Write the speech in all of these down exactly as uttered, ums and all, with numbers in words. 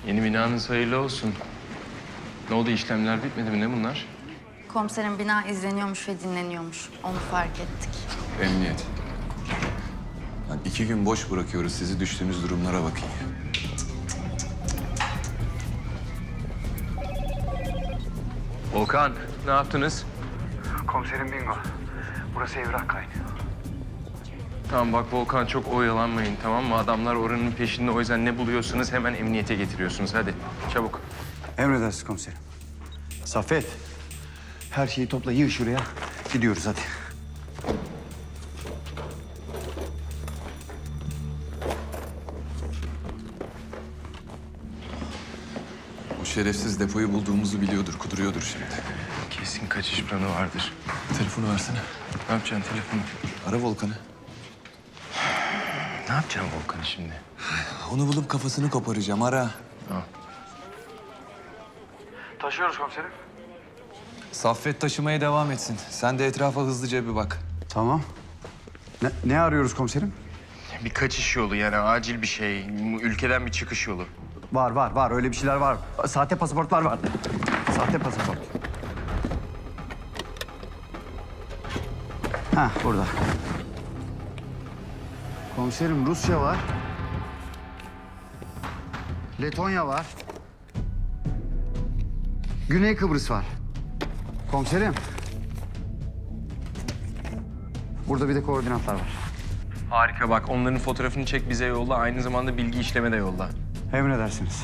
Yeni binanız hayırlı olsun. Ne oldu, işlemler bitmedi mi, ne bunlar? Komiserin bina izleniyormuş ve dinleniyormuş. Onu fark ettik. Emniyet. Lan iki gün boş bırakıyoruz sizi, düştüğünüz durumlara bakın. Volkan, ne yaptınız? Komiserim bingo. Burası evrak kaynıyor. Tamam bak Volkan, çok oyalanmayın, tamam mı? Adamlar oranın peşinde, o yüzden ne buluyorsunuz hemen emniyete getiriyorsunuz. Hadi çabuk. Emredersiniz komiserim. Saffet, her şeyi topla, yığ şuraya. Gidiyoruz hadi. O şerefsiz depoyu bulduğumuzu biliyordur, kuduruyordur şimdi. Kesin kaçış planı vardır. Telefonu versene. Ne yapacaksın telefonu? Ara Volkan'ı. Ne yapacaksın Volkan'ı şimdi? Onu bulup kafasını koparacağım, ara. Tamam. Taşıyoruz komiserim. Saffet taşımaya devam etsin. Sen de etrafa hızlıca bir bak. Tamam. Ne, ne arıyoruz komiserim? Bir kaçış yolu, yani acil bir şey. Ülkeden bir çıkış yolu. Var, var, var. Öyle bir şeyler var. Sahte pasaportlar var. Sahte pasaport. Ha, burada. Komiserim, Rusya var. Letonya var. Güney Kıbrıs var. Komiserim. Burada bir de koordinatlar var. Harika, bak onların fotoğrafını çek, bize yolla. Aynı zamanda bilgi işleme de yolla. Emredersiniz.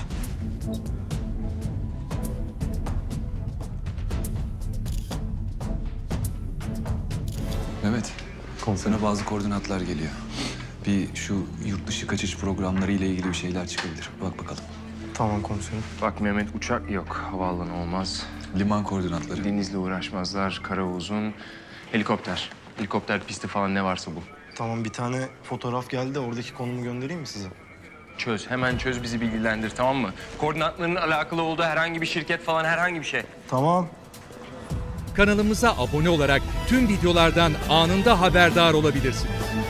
Mehmet, sana bazı koordinatlar geliyor. Bir şu yurt dışı kaçış programları ile ilgili bir şeyler çıkabilir. Bak bakalım. Tamam komiserim. Bak Mehmet, uçak yok, havaalanı olmaz. Liman koordinatları. Denizle uğraşmazlar, kara uzun. Helikopter. Helikopter pisti falan ne varsa bu. Tamam, bir tane fotoğraf geldi de oradaki konumu göndereyim mi size? Çöz, hemen çöz, bizi bilgilendir, tamam mı? Koordinatlarının alakalı olduğu herhangi bir şirket falan, herhangi bir şey. Tamam. Kanalımıza abone olarak tüm videolardan anında haberdar olabilirsiniz.